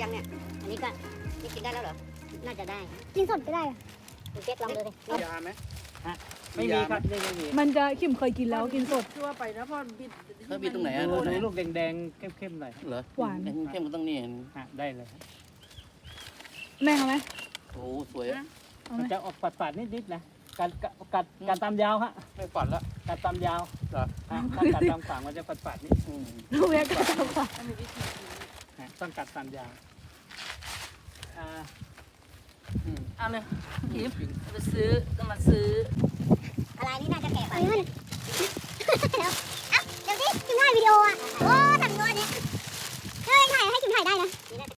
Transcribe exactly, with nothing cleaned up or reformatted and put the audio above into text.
ยังเนี่ยอันนี้ก็นี่กินได้แล้วเหรอน่าจะได้กินสดก็ได้อะคุณเจ๊กลองดูดิมียาไหมไม่มีครับไม่ไม่มีมันจะขิมเคยกินแล้วกินสดชั่วไปนะพ่อบิดเขาบิดตรงไหนอ่ะดูตรงไหนดูลูกแดงๆเข้มๆหน่อยเหรอหวานเข้มมันต้องนี่ฮะได้เลยครับแม่เอาไหมโอ้สวยเอาไหมันมจะออกปัดๆนิดๆนะการกัดการตามยาวฮะไม่ฝันละการตามยาวเหรอฮะถ้ากัดตามขวางมันจะปัดๆนิดอืมลูกเล็กก็เอาค่ะมีวิธีกินฮะต้องกัดตามยาวอ่าอืมเอาเลยคิมไปซื้อก็มาซื้ออะไรนี่น่าจะแก่ไปเฮ้ยมันเดี๋ยวเอ้าเดี๋ยวสิกินถ่ายวิดีโออ่ะโอ้ทำงานเนี่ยเฮ้ยถ่ายให้กินถ่ายได้นะ